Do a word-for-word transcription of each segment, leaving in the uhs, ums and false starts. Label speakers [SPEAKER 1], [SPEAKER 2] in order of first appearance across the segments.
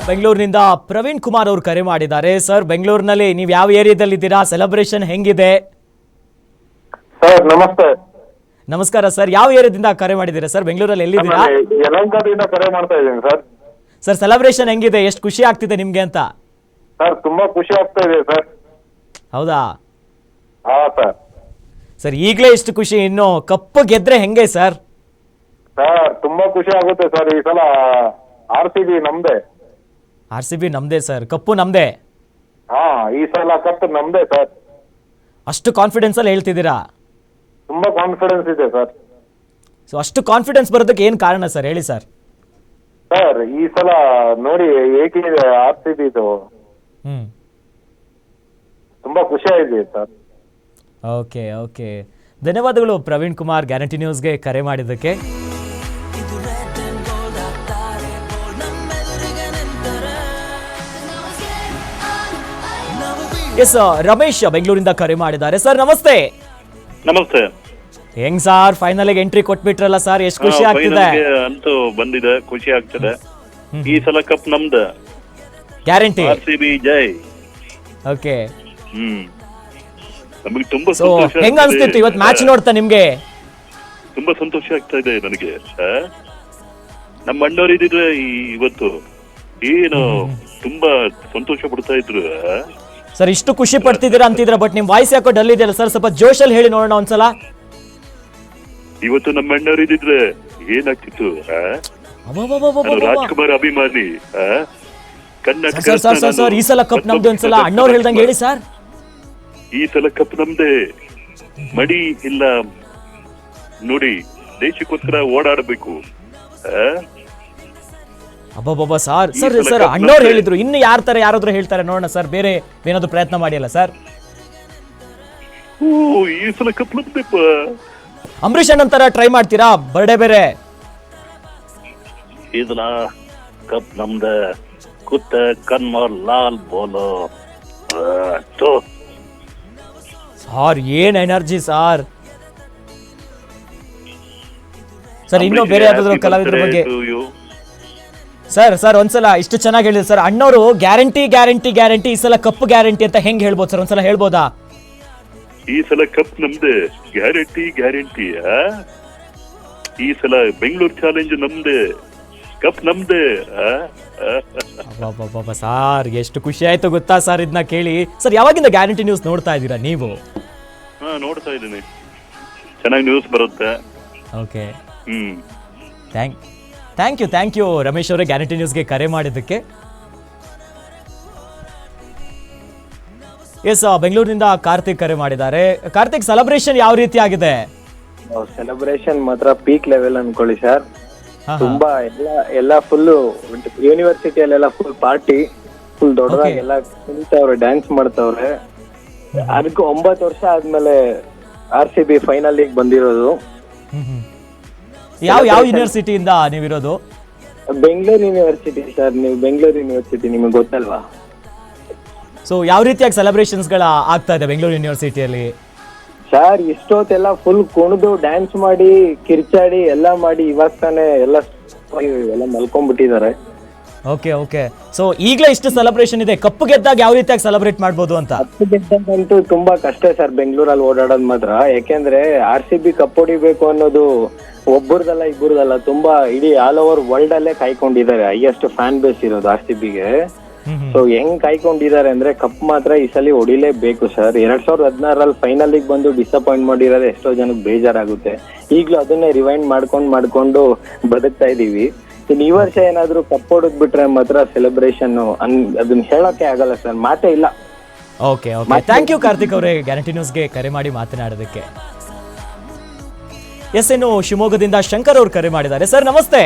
[SPEAKER 1] ಬೆಂಗಳೂರಿನಿಂದ ಪ್ರವೀಣ್ ಕುಮಾರ್ ಅವರು ಕರೆ ಮಾಡಿದ್ದಾರೆ. ಸರ್, ಬೆಂಗಳೂರಿನಲ್ಲಿ ನೀವು ಯಾವ ಏರಿಯಾದಲ್ಲಿ ಇದ್ದೀರಾ? ಸೆಲೆಬ್ರೇಷನ್ ಹೆಂಗಿದೆ?
[SPEAKER 2] ಸರ್ ನಮಸ್ತೆ.
[SPEAKER 1] ನಮಸ್ಕಾರ ಸರ್. ಯಾವ ಏರಿಯಾದಿಂದ ಕರೆ ಮಾಡಿದ್ದೀರಾ ಸರ್? ಬೆಂಗಳೂರಲ್ಲಿ ಎಲ್ಲಿದ್ದೀರಾ?
[SPEAKER 2] ಯಲಹಂಕದಿಂದ ಕರೆ ಮಾಡ್ತಾ ಇದ್ದೀನಿ ಸರ್.
[SPEAKER 1] ಸರ್, ಸೆಲೆಬ್ರೇಷನ್ ಹೆಂಗಿದೆ? ಎಷ್ಟು ಖುಷಿ ಆಗ್ತಿದೆ ನಿಮ್ಗೆ ಅಂತ?
[SPEAKER 2] ಸರ್ ತುಂಬಾ ಖುಷಿ ಆಗ್ತಾ ಇದೆ ಸರ್.
[SPEAKER 1] ಹೌದಾ?
[SPEAKER 2] ಹಾ ಸರ್.
[SPEAKER 1] ಸರ್, ಈಗಲೇ ಇಷ್ಟು ಖುಷಿ, ಇನ್ನು ಕಪ್ಪು ಗೆದ್ರೆ ಹೆಂಗೆ ಸರ್?
[SPEAKER 2] ಸರ್ ತುಂಬಾ ಖುಷಿ ಆಗುತ್ತೆ ಸರ್. ಈ ಸಲ ಆರ್ ಸಿ ಬಿ ನಮ್ದೆ.
[SPEAKER 1] ಆರ್ ಸಿ ಬಿ ನಮ್ದೇ ಸರ್, ಕಪ್ಪು ನಮ್ದೇ.
[SPEAKER 2] ಹಾ, ಈ ಸಲ ಕಪ್ ನಮ್ದೆ ಸರ್.
[SPEAKER 1] ಅಷ್ಟು ಕಾನ್ಫಿಡೆನ್ಸ್ ಅಲ್ಲಿ ಹೇಳ್ತಿದ್ದೀರಾ?
[SPEAKER 2] ತುಂಬಾ ಕಾನ್ಫಿಡೆನ್ಸ್ ಇದೆ ಸರ್.
[SPEAKER 1] ಸೊ ಅಷ್ಟು ಕಾನ್ಫಿಡೆನ್ಸ್ ಬರೋದಕ್ಕೆ ಏನು ಕಾರಣ ಸರ್, ಹೇಳಿ ಸರ್.
[SPEAKER 2] ಸರ್ ಈ ಸಲ ನೋಡಿ ಹೇಗಿದೆ ಆರ್ ಸಿ ಬಿ ಇದು,
[SPEAKER 1] ಹ್ಮ್
[SPEAKER 2] ತುಂಬಾ ಖುಷಿ ಆಗಿದೆ ಸರ್.
[SPEAKER 1] ಓಕೆ ಓಕೆ ಧನ್ಯವಾದಗಳು ಪ್ರವೀಣ್ ಕುಮಾರ್, ಗ್ಯಾರಂಟಿ ನ್ಯೂಸ್ಗೆ ಕರೆ ಮಾಡಿದ್ದಕ್ಕೆ. ಎಸ್, ರಮೇಶ್ ಬೆಂಗಳೂರಿಂದ ಕರೆ ಮಾಡಿದ್ದಾರೆ. ಸರ್ ನಮಸ್ತೆ.
[SPEAKER 3] ನಮಸ್ತೆ.
[SPEAKER 1] ಹೆಂಗ್ ಸರ್, ಫೈನಲ್ಗೆ ಎಂಟ್ರಿ ಕೊಟ್ಬಿಟ್ರಲ್ಲ ಸರ್, ಎಷ್ಟು ಖುಷಿ ಆಗ್ತಿದೆ?
[SPEAKER 3] ಅಂತೂ ಬಂದಿದೆ, ಖುಷಿ ಆಗ್ತದೆ. ಈ ಸಲ ಕಪ್ ನಮ್ದು,
[SPEAKER 1] ಗ್ಯಾರಂಟಿ.
[SPEAKER 3] ಆರ್ ಸಿ ಬಿ ಜೈ.
[SPEAKER 1] ಓಕೆ.
[SPEAKER 3] ಹ್ಮ್ ನಮಗೆ ತುಂಬಾ
[SPEAKER 1] ಸೊ
[SPEAKER 3] ಸಂತೋಷ.
[SPEAKER 1] ಹೆಂಗ್ ಅನ್ಸ್ತಿತ್ತು ಇವತ್ತು ಮ್ಯಾಚ್ ನೋಡ್ತಾ ನಿಮ್ಗೆ?
[SPEAKER 3] ತುಂಬಾ ಸಂತೋಷ ಆಗ್ತಾ ಇದೆ ನನಗೆ. ನಮ್ಮ ಅಣ್ಣವ್ರು ಇದ್ದಿದ್ರೆ ಇವತ್ತು ಏನು ತುಂಬಾ ಸಂತೋಷ ಪಡ್ತಾ ಇದ್ರು.
[SPEAKER 1] ಸರ್, ಇಷ್ಟು ಖುಷಿ ಪಡ್ತಿದ್ದೀರಾ ಅಂತಿದ್ರ, ಬಟ್ ನಿಮ್ ವಾಯ್ಸ್ ಯಾಕೋ ಡಲ್ ಇದೆಯಲ್ಲ ಸರ್, ಸ್ವಲ್ಪ ಜೋಶಲ್ಲಿ ಹೇಳಿ ನೋಡೋಣ ಒಂದ್ಸಲ.
[SPEAKER 3] ಇವತ್ತು ನಮ್ಮ ಅಣ್ಣವ್ರು ಇದ್ದಿದ್ರೆ ಏನಾಗ್ತಿತ್ತು? ರಾಜ್ಕುಮಾರ್ ಅಭಿಮಾನಿ, Karnataka.
[SPEAKER 1] Sir sir sir sir ಈ ಸಲ ಕಪ್ ನಮ್ದು ಒಂದ್ಸಲ ಅಣ್ಣವ್ರು ಹೇಳ್ದಂಗೆ ಹೇಳಿ ಸರ್.
[SPEAKER 3] ಈ ಸಲ ಕಪ್ ನಮ್ದೆ. ಮಡಿ ಇಲ್ಲ ನೋಡಿ, ದೇಶಕ್ಕೋಸ್ಕರ ಓಡಾಡಬೇಕು.
[SPEAKER 1] ಅಬ್ಬಬ್ಬಬ್ಬ ಸರ್ ಸರ್ ಸರ್ ಅಣ್ಣವ್ರು ಹೇಳಿದ್ರು, ಇನ್ನು ಯಾರ ತರ ಯಾರಾದ್ರೂ ಹೇಳ್ತಾರೆ ನೋಡೋಣ ಸರ್, ಬೇರೆ ಏನಾದ್ರು ಪ್ರಯತ್ನ ಮಾಡಿಯಲ್ಲ ಸರ್?
[SPEAKER 3] ಓ, ಈ ಸಲ ಕಪ್ ನಮ್ದೆಪ್ಪ.
[SPEAKER 1] ಅಂಬರೀಷ್ ಅಣ್ಣನ್ ತರ ಟ್ರೈ ಮಾಡ್ತೀರಾ ಬರ್ಡೇ ಬೇರೆ?
[SPEAKER 3] ಈ ಸಲ ಕಪ್ ನಮ್ದೆ. ಕುತ್ತ ಕನ್ಮರ್ ಲಾಲ್ ಬೋಲೋ.
[SPEAKER 1] ಸಾರ್ ಏನ್ ಎನರ್ಜಿ ಸಾರ್. ಸರ್ ಇನ್ನು ಬೇರೆ ಯಾವ್ದಾದ್ರು ಕಲಾವಿದ್ರ ಬಗ್ಗೆ ಸರ್ ಸರ್ ಒಂದ್ಸಲ ಇಷ್ಟು ಚೆನ್ನಾಗಿ ಹೇಳಿದ್ರು ಸರ್ ಅಣ್ಣವರು. ಗ್ಯಾರಂಟಿ ಗ್ಯಾರಂಟಿ ಗ್ಯಾರಂಟಿ ಈ ಸಲ ಕಪ್ ಗ್ಯಾರಂಟಿ ಅಂತ ಹೆಂಗ್ ಹೇಳ್ಬೋದು ಸರ್, ಒಂದ್ಸಲ ಹೇಳ್ಬೋದಾ?
[SPEAKER 3] ಈ ಸಲ ಕಪ್ ನಮ್ದೆ, ಗ್ಯಾರಂಟಿ ಗ್ಯಾರಂಟಿ. ಈ ಸಲ ಬೆಂಗಳೂರು ಚಾಲೆಂಜ್ ನಮ್ದೆ, ಕಪ್ ನಮ್ದೆ.
[SPEAKER 1] ಸಾರ್ ಎಷ್ಟು ಖುಷಿ ಆಯ್ತು ಗೊತ್ತಾ ಸರ್ ಇದನ್ನ ಕೇಳಿ. ಸರ್, ಯಾವಾಗಿಂದ ಗ್ಯಾರಂಟಿ ನ್ಯೂಸ್ ನೋಡ್ತಾ ಇದ್ದೀರಾ ನೀವು?
[SPEAKER 3] ಹಾ, ನೋಡ್ತಾ ಇದ್ದೀನಿ. ಚೆನ್ನಾಗಿ ನ್ಯೂಸ್ ಬರುತ್ತೆ.
[SPEAKER 1] Okay.
[SPEAKER 3] Hmm
[SPEAKER 1] thank thank you thank you Ramesh ಅವರೇ, ಗ್ಯಾರಂಟಿ ನ್ಯೂಸ್ಗೆ ಕರೆ ಮಾಡಿದ್ದಕ್ಕೆ. ಎಸ್, ಬೆಂಗಳೂರಿನಿಂದ ಕಾರ್ತಿಕ್ ಕರೆ ಮಾಡಿದ್ದಾರೆ. ಕಾರ್ತಿಕ್, ಸೆಲೆಬ್ರೇಷನ್ ಯಾವ ರೀತಿ ಆಗಿದೆ?
[SPEAKER 2] ಸೆಲೆಬ್ರೇಷನ್ ಮಾತ್ರ ಪೀಕ್ ಲೆವೆಲ್ ಅನ್ಕೊಳ್ಳಿ ಸರ್. ತುಂಬಾ ಎಲ್ಲ ಎಲ್ಲ ಫುಲ್ ಯೂನಿವರ್ಸಿಟಿಯಲ್ಲೆಲ್ಲ ಫುಲ್ ಪಾರ್ಟಿ, ಫುಲ್ ದೊಡ್ಡದಾಗಿ ಎಲ್ಲ ಕುಣಿತವ್ರೆ, ಡ್ಯಾನ್ಸ್ ಮಾಡ್ತವ್ರೆ. ಅದಕ್ಕೆ ಒಂಬತ್ತು ವರ್ಷ ಆದ್ಮೇಲೆ R C B final league ಬಂದಿರೋದು.
[SPEAKER 1] ಯಾವ ಯಾವ ಯೂನಿವರ್ಸಿಟಿಯಿಂದ ನೀವಿರೋದು?
[SPEAKER 2] Bengaluru university sir. ನೀವು ಬೆಂಗಳೂರು ಯೂನಿವರ್ಸಿಟಿ ನಿಮಗೆ ಗೊತ್ತಲ್ವಾ?
[SPEAKER 1] ಸೊ ಯಾವ ರೀತಿಯಾಗಿ ಸೆಲೆಬ್ರೇಷನ್ಸ್ ಗಳ ಆಗ್ತಾ ಇದೆ ಬೆಂಗಳೂರು ಯೂನಿವರ್ಸಿಟಿಯಲ್ಲಿ?
[SPEAKER 2] ಸರ್ ಇಷ್ಟೊತ್ತೆಲ್ಲ ಫುಲ್ ಕುಣಿದು ಡ್ಯಾನ್ಸ್ ಮಾಡಿ ಕಿರ್ಚಾಡಿ ಎಲ್ಲ ಮಾಡಿ ಇವಾಗ ತಾನೇ ಎಲ್ಲ ಎಲ್ಲ ಮಲ್ಕೊಂಡ್ಬಿಟ್ಟಿದ್ದಾರೆ.
[SPEAKER 1] ಓಕೆ ಓಕೆ ಸೊ ಈಗಲೇ ಇಷ್ಟು ಸೆಲೆಬ್ರೇಷನ್ ಇದೆ, ಕಪ್ಪು ಗೆದ್ದಾಗ ಯಾವ ರೀತಿಯಾಗಿ ಸೆಲೆಬ್ರೇಟ್ ಮಾಡ್ಬೋದು ಅಂತ?
[SPEAKER 2] ಕಪ್ಪು ಗೆದ್ದಂತೂ ತುಂಬಾ ಕಷ್ಟ ಸರ್ ಬೆಂಗಳೂರಲ್ಲಿ ಓಡಾಡೋದು ಮಾತ್ರ. ಯಾಕೆಂದ್ರೆ ಆರ್ ಸಿ ಬಿ ಕಪ್ ಹೊಡಿಬೇಕು ಅನ್ನೋದು ಒಬ್ಬರದಲ್ಲ ಇಬ್ಬರದಲ್ಲ, ತುಂಬಾ ಇಡೀ ಆಲ್ ಓವರ್ ವರ್ಲ್ಡ್ ಅಲ್ಲೇ ಕಾಯ್ಕೊಂಡಿದ್ದಾರೆ. ಹೈಯೆಸ್ಟ್ ಫ್ಯಾನ್ ಬೇಸ್ ಇರೋದು ಆರ್ ಸಿ ಬಿಗೆ. ಸೊ ಹೆಂಗ್ ಕಾಯ್ಕೊಂಡಿದ್ದಾರೆ ಅಂದ್ರೆ ಕಪ್ ಮಾತ್ರ ಈ ಸಲ ಹೊಡಿಲೇಬೇಕು ಸರ್. ಎರಡ್ ಸಾವಿರದ ಹದಿನಾರಲ್ಲಿ ಫೈನಲ್ ಬಂದು ಡಿಸಪಾಯಿಂಟ್ ಮಾಡಿರೋದು ಎಷ್ಟೋ ಜನಕ್ಕೆ ಬೇಜಾರಾಗುತ್ತೆ. ಈಗ್ಲೂ ಅದನ್ನೇ ರಿವೈಂಡ್ ಮಾಡ್ಕೊಂಡ್ ಮಾಡ್ಕೊಂಡು ಬದುಕ್ತಾ ಇದೀವಿ. ಇನ್ ಈ ವರ್ಷ ಏನಾದ್ರು ಕಪ್ ಹೊಡೆದ್ ಬಿಟ್ರೆ ಮಾತ್ರ ಸೆಲೆಬ್ರೇಷನ್ ಅದನ್ನ ಹೇಳೋಕೆ ಆಗಲ್ಲ ಸರ್, ಮಾತೇ ಇಲ್ಲ.
[SPEAKER 1] Okay okay thank you Karthik ಅವರೇ, ಗ್ಯಾರಂಟಿ ನ್ಯೂಸ್ಗೆ ಕರೆ ಮಾಡಿ ಮಾತನಾಡೋದಕ್ಕೆ. ಎಸ್, ಇನ್ನು ಶಿವಮೊಗ್ಗದಿಂದ ಶಂಕರ್ ಅವರು ಕರೆ ಮಾಡಿದ್ದಾರೆ. ಸರ್ ನಮಸ್ತೆ.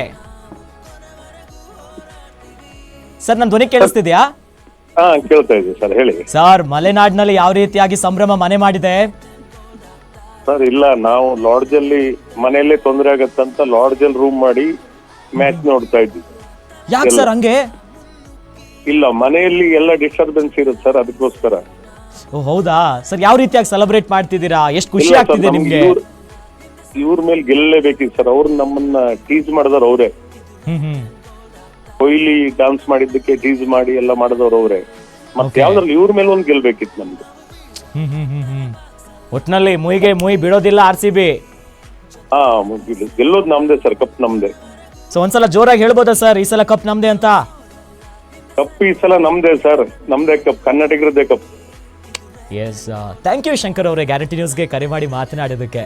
[SPEAKER 1] ಸರ್ ನನ್ನ ಧ್ವನಿ ಕೇಳಿಸ್ತಿದ್ಯಾ?
[SPEAKER 3] ಹಾ, ಕೇಳ್ತಾ ಇದೆ ಸರ್, ಹೇಳಿ.
[SPEAKER 1] ಸರ್, ಮಲೆನಾಡಿನಲ್ಲಿ ಯಾವ ರೀತಿಯಾಗಿ ಸಂಭ್ರಮ ಮನೆ ಮಾಡಿದೆ?
[SPEAKER 3] ಸರ್ ಇಲ್ಲ, ನಾವು ಲಾಡ್ಜ್ ಅಲ್ಲಿ ಮನೆಯಲ್ಲೇ ತೊಂದರೆ ಆಗತ್ತಂತ ಲಾಡ್ಜ್ ಅಲ್ಲಿ ರೂಮ್ ಮಾಡಿ ಮ್ಯಾಚ್ ನೋಡ್ತಾ ಇದ್ವಿ.
[SPEAKER 1] ಯಾಕೆ ಸರ್ ಹಂಗೆ?
[SPEAKER 3] ಇಲ್ಲ, ಮನೆಯಲ್ಲಿ ಎಲ್ಲ ಡಿಸ್ಟರ್ಬೆನ್ಸ್ ಇರುತ್ತೆ ಸರ್, ಅದಕ್ಕೋಸ್ಕರ.
[SPEAKER 1] ಓ ಹೌದಾ ಸರ್, ಯಾವ ರೀತಿಯಾಗಿ ಸೆಲೆಬ್ರೇಟ್ ಮಾಡ್ತಿದ್ದೀರಾ? ಎಷ್ಟು ಖುಷಿ ಆಗ್ತಿದೆ ನಿಮ್ಗೆ?
[SPEAKER 3] ಇವ್ರ ಮೇಲೆ ಗೆಲ್ಲಲೇಬೇಕಿತ್ತು ಸರ್. ಅವ್ರು ನಮ್ಮನ್ನ ಟೀಸ್ ಮಾಡಿದಾರ ಅವರೇ.
[SPEAKER 1] ಹ್ಮ್ ಹ್ಮ್
[SPEAKER 4] ಕೊಹ್ಲಿ ಡಾನ್ಸ್ ಮಾಡಿದ್ದಕ್ಕೆ ಟೀಸ್ ಮಾಡಿ ಎಲ್ಲ ಮಾಡಿದವ್ರು ಅವ್ರೆ. ಮತ್ತೆ ಯಾವ್ದ್ರಲ್ಲಿ ಇವ್ರ ಮೇಲೆ ಒಂದ್ ಗೆಲ್ಬೇಕಿತ್ತು ನಮ್ಗೆ.
[SPEAKER 1] ಹ್ಮ್ ಹ್ಮ್ ಹ್ಮ್ ಹ್ಮ್ ಒಟ್ನಲ್ಲಿ ಮುಯಿಗೆ ಮುಯಿ ಬಿಡೋದಿಲ್ಲ ಆರ್ ಸಿ ಬಿ.
[SPEAKER 4] ಹಾ ಗೆಲ್ಲೋದು ನಮ್ದೇ ಸರ್, ಕಪ್ ನಮ್ದೇ.
[SPEAKER 1] ಸೊ ಒಂದ್ಸಲ ಜೋರಾಗಿ ಹೇಳ್ಬೋದಾ ಸರ್ ಈ ಸಲ ಕಪ್ ನಮ್ದೇ ಅಂತ?
[SPEAKER 4] ಕಪ್ ಈ ಸಲ ನಮ್ದೇ ಸರ್, ನಮ್ದೇ ಕಪ್, ಕರ್ನಾಟಕರದ್ದೇ cup.
[SPEAKER 1] Yes, thank you Shankar ಅವರೇ ಗ್ಯಾರಂಟಿ ನ್ಯೂಸ್ಗೆ ಕರೆ ಮಾಡಿ ಮಾತನಾಡೋದಕ್ಕೆ.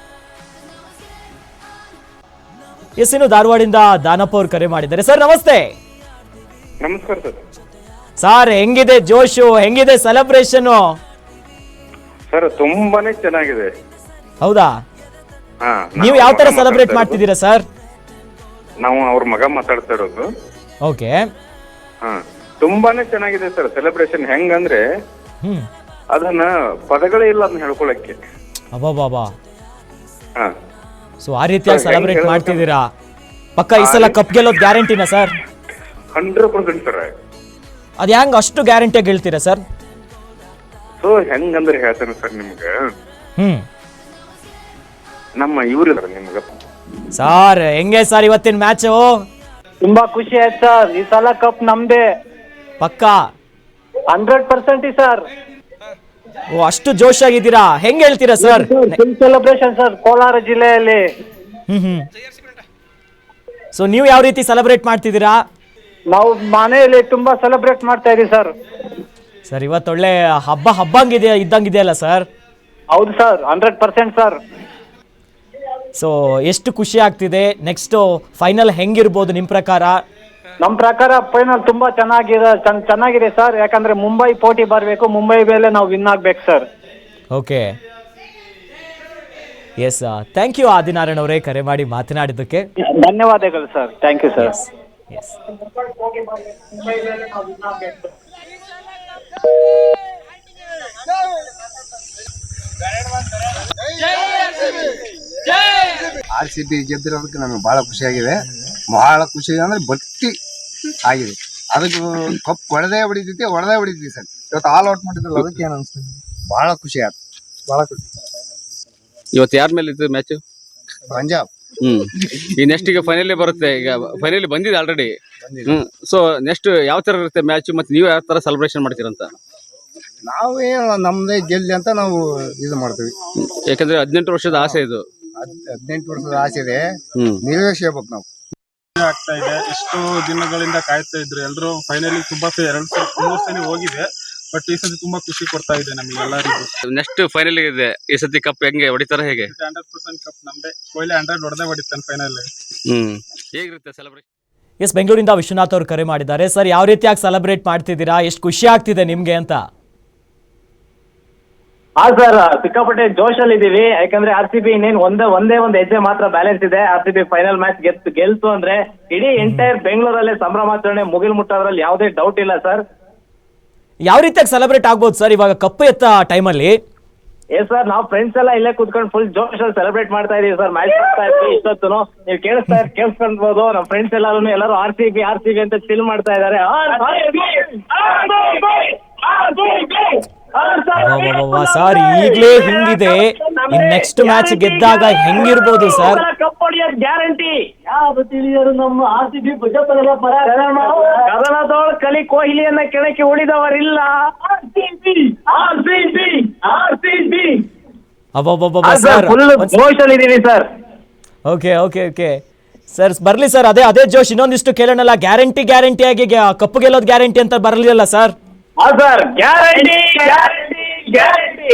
[SPEAKER 1] ಎಸ್, ಇನ್ನು ಧಾರವಾಡಿಂದ ದಾನಪ್ಪ ಅವ್ರು ಕರೆ ಮಾಡಿದ್ದಾರೆ. ಸರ್ ನಮಸ್ತೆ.
[SPEAKER 4] ನಮಸ್ಕಾರ ಸರ್.
[SPEAKER 1] ಸರ್ ಹೆಂಗಿದೆ ಜೋಶು, ಹೆಂಗಿದೆ ಸೆಲೆಬ್ರೇಷನ್?
[SPEAKER 4] ಸರ್ ತುಂಬಾನೇ ಚೆನ್ನಾಗಿದೆ.
[SPEAKER 1] ಹೌದಾ? ನೀವು ಯಾವ ತರ ಸೆಲೆಬ್ರೇಟ್ ಮಾಡ್ತಿದ್ದೀರಾ ಸರ್?
[SPEAKER 4] ನಾವು ಅವ್ರ ಮಗ ಮಾತಾಡ್ತಾ ಇರೋದು.
[SPEAKER 1] ಓಕೆ.
[SPEAKER 4] ಹಾ ತುಂಬಾನೇ ಚೆನ್ನಾಗಿದೆ ಸರ್ ಸೆಲೆಬ್ರೇಷನ್. ಹೆಂಗಂದ್ರೆ
[SPEAKER 1] ಹ್ಮ್
[SPEAKER 4] ಅದನ್ನ ಪದಗಳೇ ಇಲ್ಲ ಅದನ್ನ ಹೇಳ್ಕೊಳಕ್ಕೆ.
[SPEAKER 1] ಅಬ್ಬಾ ಬಾಬಾ.
[SPEAKER 4] ಹಾ
[SPEAKER 1] ಸೊ ಆ ರೀತಿಯಾಗಿ ಸೆಲೆಬ್ರೇಟ್ ಮಾಡ್ತಿದ್ದೀರಾ? ಪಕ್ಕ ಈ ಸಲ ಕಪ್ ಗೆಲ್ಲೋದು ಗ್ಯಾರಂಟಿನಾ ಸರ್?
[SPEAKER 4] Hundred percent sir.
[SPEAKER 1] ಅದ್ ಹೆಂಗ್ ಅಷ್ಟು ಗ್ಯಾರಂಟಿಯಾಗಿ ಹೇಳ್ತೀರಾ ಸರ್?
[SPEAKER 4] ಸೊ ಹೆಂಗಂದ್ರೆ ಹೇಳ್ತೇನೆ ಸರ್ ನಿಮ್ಗೆ,
[SPEAKER 1] ಹ್ಮ್
[SPEAKER 4] ನಮ್ಮ ಇವ್ರು ನಿಮ್ಗೆ
[SPEAKER 1] ಸರ್ ಹೆಂಗೆ ಸರ್ ಇವತ್ತಿನ ಮ್ಯಾಚು?
[SPEAKER 2] ತುಂಬಾ ಖುಷಿ ಆಯ್ತು ಸರ್. ಈ ಸಲ ಕಪ್ ನಮ್ದೇ
[SPEAKER 1] ಪಕ್ಕ
[SPEAKER 2] ಹಂಡ್ರೆಡ್ ಪರ್ಸೆಂಟ್ ಸರ್.
[SPEAKER 1] ಓ ಅಷ್ಟು ಜೋಶ್ ಆಗಿದ್ದೀರಾ, ಹೆಂಗ್ ಹೇಳ್ತೀರಾ sir?
[SPEAKER 2] Full celebration sir Kolar ಜಿಲ್ಲೆಯಲ್ಲಿ.
[SPEAKER 1] ಹ್ಮ್ ಹ್ಮ್ ಸೊ ನೀವು ಯಾವ ರೀತಿ ಸೆಲೆಬ್ರೇಟ್ ಮಾಡ್ತಿದ್ದೀರಾ?
[SPEAKER 2] ನಾವು ಮನೆಯಲ್ಲಿ ತುಂಬಾ ಸೆಲೆಬ್ರೇಟ್ ಮಾಡ್ತಾ ಇದೀವಿ ಸರ್.
[SPEAKER 1] ಸರ್ ಇವತ್ತು ಒಳ್ಳೆ ಹಬ್ಬ ಹಬ್ಬಂಗಿದೆ ಇದ್ದಂಗಿದೆಯಲ್ಲ ಸರ್?
[SPEAKER 2] ಹೌದು sir, hundred percent sir.
[SPEAKER 1] So ಎಷ್ಟು ಖುಷಿ ಆಗ್ತಿದೆ. ನೆಕ್ಸ್ಟ್ ಫೈನಲ್ ಹೆಂಗಿರ್ಬೋದು ನಿಮ್ ಪ್ರಕಾರ?
[SPEAKER 2] ನಮ್ ಪ್ರಕಾರ ಫೈನಲ್ ತುಂಬಾ ಚೆನ್ನಾಗಿದೆ ಚೆನ್ನಾಗಿದೆ ಸರ್. ಯಾಕಂದ್ರೆ ಮುಂಬೈ ಪೋಟಿ ಬರಬೇಕು, ಮುಂಬೈ ಮೇಲೆ ನಾವು ವಿನ್ ಆಗ್ಬೇಕು sir.
[SPEAKER 1] Okay, yes, thank you Adinarayan ಅವರೇ ಕರೆ ಮಾಡಿ ಮಾತನಾಡಿದ್ದಕ್ಕೆ.
[SPEAKER 2] ಧನ್ಯವಾದಗಳು sir. Thank you sir.
[SPEAKER 1] Yes.
[SPEAKER 5] R C B ಗೆದ್ದಿರೋದಕ್ಕೆ ನಮಗೆ ಬಹಳ ಖುಷಿಯಾಗಿದೆ. ಬಹಳ ಖುಷಿ ಅಂದ್ರೆ ಬಟ್ಟಿ ಆಗಿದೆ. ಅದಕ್ಕೆ ಕಪ್ ಹೊಡೆದೇ ಹೊಡಿತೈತಿ ಹೊಡೆದೇ ಹೊಡಿತೀವಿ ಸರ್. ಇವತ್ತು ಆಲ್ ಔಟ್ ಮಾಡಿದ್ರಲ್ಲ, ಅದಕ್ಕೆ ಏನು ಅನಿಸ್ತು? ಬಹಳ ಖುಷಿ ಆಯ್ತು, ಬಹಳ ಖುಷಿ.
[SPEAKER 6] ಇವತ್ತು ಯಾರ ಮೇಲೆ ಇತ್ತು ಮ್ಯಾಚ್?
[SPEAKER 5] ಪಂಜಾಬ್.
[SPEAKER 6] ಹ್ಮ್ ಈ ನೆಕ್ಸ್ಟ್ ಈಗ ಫೈನಲ್ ಬರುತ್ತೆ. ಈಗ ಫೈನಲ್ ಬಂದಿದೆ ಆಲ್ರೆಡಿ. ಹ್ಮ್ ಸೊ ನೆಕ್ಸ್ಟ್ ಯಾವ ತರ ಇರುತ್ತೆ ಮ್ಯಾಚ್, ಮತ್ತೆ ನೀವು ಯಾವ ತರ ಸೆಲೆಬ್ರೇಷನ್ ಮಾಡ್ತೀರಂತ?
[SPEAKER 5] ನಾವೇ ನಮ್ದೇ ಗೆಲ್ಲಿ ಅಂತ ನಾವು ಇದು ಮಾಡ್ತೀವಿ.
[SPEAKER 6] ಯಾಕಂದ್ರೆ ಹದಿನೆಂಟು ವರ್ಷದ ಆಸೆ ಇದು.
[SPEAKER 5] ಹದಿನೆಂಟು ವರ್ಷದ ಆಸೆ ಇದೆ,
[SPEAKER 6] ಹ್ಮ್
[SPEAKER 5] ನಿರ್ವೇಶಿಸಬೇಕು ನಾವು.
[SPEAKER 7] ಆಗ್ತಾ ಇದೆ. ಎಷ್ಟು ದಿನಗಳಿಂದ ಕಾಯ್ತಾ ಇದ್ರು ಎಲ್ರು. ಫೈನಲಿ ತುಂಬಾ ಎರಡು ಸಲ ಮೂರ್ ಸಲ ಹೋಗಿದೆ, ಬಟ್ ಈ ಸತಿ ತುಂಬಾ ಖುಷಿ ಕೊಡ್ತಾ ಇದೆ ನಮಗೆ ಎಲ್ಲರಿಗೂ.
[SPEAKER 6] ನೆಕ್ಸ್ಟ್ ಫೈನಲ್ ಇದೆ ಈ ಸತಿ ಕಪ್ ಹೆಂಗೆ ಹೊಡಿತಾರ ಹೇಗೆ?
[SPEAKER 7] ಹಂಡ್ರೆಡ್ ಪರ್ಸೆಂಟ್ ಕಪ್ ನಮ್ದೆ. ಕೊಹ್ಲಿ ಹಂಡ್ರೆಡ್ ಹೊಡೆದೇ ಹೊಡಿತಾನೆ ಫೈನಲ್.
[SPEAKER 6] ಹ್ಮ್ ಹೇಗಿರುತ್ತೆ ಸೆಲೆಬ್ರೇಷನ್?
[SPEAKER 1] ಎಸ್, ಬೆಂಗಳೂರಿಂದ ವಿಶ್ವನಾಥ್ ಅವರು ಕರೆ ಮಾಡಿದ್ದಾರೆ. ಸರ್ ಯಾವ ರೀತಿಯಾಗಿ ಸೆಲೆಬ್ರೇಟ್ ಮಾಡ್ತಿದ್ದೀರಾ, ಎಷ್ಟು ಖುಷಿ ಆಗ್ತಿದೆ ನಿಮ್ಗೆ ಅಂತ?
[SPEAKER 2] ಹಾ ಸರ್, ಸಿಕ್ಕಾಪಟ್ಟೆ ಜೋಶಲ್ಲಿ ಇದೀವಿ. ಯಾಕಂದ್ರೆ ಆರ್ ಸಿ ಬಿ ಇನ್ನೇನು ಒಂದೇ ಒಂದೇ ಒಂದು ಹೆಜ್ಜೆ ಮಾತ್ರ ಬ್ಯಾಲೆನ್ಸ್ ಇದೆ. R C B final match ಗೆದ್ದು ಗೆಲ್ತು ಅಂದ್ರೆ ಇಡೀ ಎಂಟೈರ್ ಬೆಂಗಳೂರಲ್ಲೇ ಸಂಭ್ರಮಾಚರಣೆ ಮುಗಿಲ್ ಮುಟ್ಟೋದ್ರಲ್ಲಿ ಯಾವುದೇ ಡೌಟ್ ಇಲ್ಲ ಸರ್.
[SPEAKER 1] ಯಾವ ರೀತಿಯಾಗಿ ಸೆಲೆಬ್ರೇಟ್ ಆಗ್ಬೋದು ಸರ್ ಇವಾಗ ಕಪ್ಪು ಎತ್ತ ಟೈಮಲ್ಲಿ?
[SPEAKER 2] ಏ ಸರ್, ನಾವು ಫ್ರೆಂಡ್ಸ್ ಎಲ್ಲ ಇಲ್ಲೇ ಕುತ್ಕೊಂಡು ಫುಲ್ ಜೋಶ್ ಅಲ್ಲಿ ಸೆಲೆಬ್ರೇಟ್ ಮಾಡ್ತಾ ಇದೀವಿ ಸರ್. ಮ್ಯಾಚ್ ಮಾಡ್ತಾ ಇದ್ವಿ ಇಷ್ಟೊತ್ತು. ನೀವು ಕೇಳಿಸ್ತಾ ಕೇಳಿಸ್ಕೊಂಡ್ಬೋದು. ನಮ್ಮ ಫ್ರೆಂಡ್ಸ್ ಎಲ್ಲರೂ ಎಲ್ಲರೂ R C B R C B ಅಂತ ಚಿಲ್ ಮಾಡ್ತಾ ಇದಾರೆ.
[SPEAKER 1] ಸರ್ ಈಗಲೇ ಹಿಂಗಿದೆ, ಇನ್ ನೆಕ್ಸ್ಟ್ ಮ್ಯಾಚ್ ಗೆದ್ದಾಗ ಹೆಂಗಿರ್ಬೋದು ಸರ್?
[SPEAKER 2] ಕಪ್ ಹೊಡಿಯೋದು ಗ್ಯಾರಂಟಿ. ಯಾರು ತಿಳಿಯೋರು ನಮ್ಮ ಆರ್ ಸಿ ಬಿ ಕದನದೊಳ ಕಲಿ ಕೊಹ್ಲಿಯನ್ನ ಕೆಳಕ್ಕೆ ಉಳಿದವರಿಲ್ಲ. Sir
[SPEAKER 1] okay okay okay sir, ಬರ್ಲಿ ಸರ್. ಅದೇ ಅದೇ ಜೋಶ್ ಇನ್ನೊಂದಿಷ್ಟು ಕೇಳೋಣಲ್ಲ. ಗ್ಯಾರಂಟಿ ಗ್ಯಾರಂಟಿ ಆಗಿ ಕಪ್ಪು ಗೆಲ್ಲೋದು ಗ್ಯಾರಂಟಿ ಅಂತ ಬರಲಿಲ್ಲ sir?
[SPEAKER 2] Sir guarantee guarantee guarantee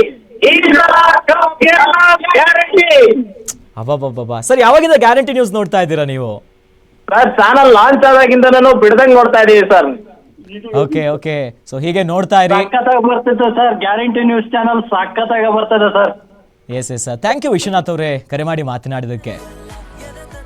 [SPEAKER 2] guarantee.
[SPEAKER 1] ಅಬ್ಬಬ್ಬಬ್ಬಾ ಸರ್, ಯಾವಾಗಿಂದ ಗ್ಯಾರಂಟಿ ನ್ಯೂಸ್ ನೋಡ್ತಾ ಇದ್ದೀರಾ ನೀವು?
[SPEAKER 2] ಸರ್ ಚಾನಲ್ ಲಾಂಚ್ ಆದಾಗಿಂದ ನಾನು ಬಿಡದಂಗ್ ನೋಡ್ತಾ ಇದೀವಿ ಸರ್.
[SPEAKER 1] ಓಕೆ ಓಕೆ ಸೊ ಹೀಗೆ ನೋಡ್ತಾ ಇರಿ.
[SPEAKER 2] ಸಖತ್ತಾಗಿ ಬರ್ತಿತ್ತು ಸರ್, ಗ್ಯಾರಂಟಿ ನ್ಯೂಸ್ ಚಾನಲ್ ಸಖತ್ತಾಗಿ ಬರ್ತದೆ sir.
[SPEAKER 1] Yes yes sir, thank you Vishwanath ಅವರೇ ಕರೆ ಮಾಡಿ ಮಾತನಾಡಿದಕ್ಕೆ.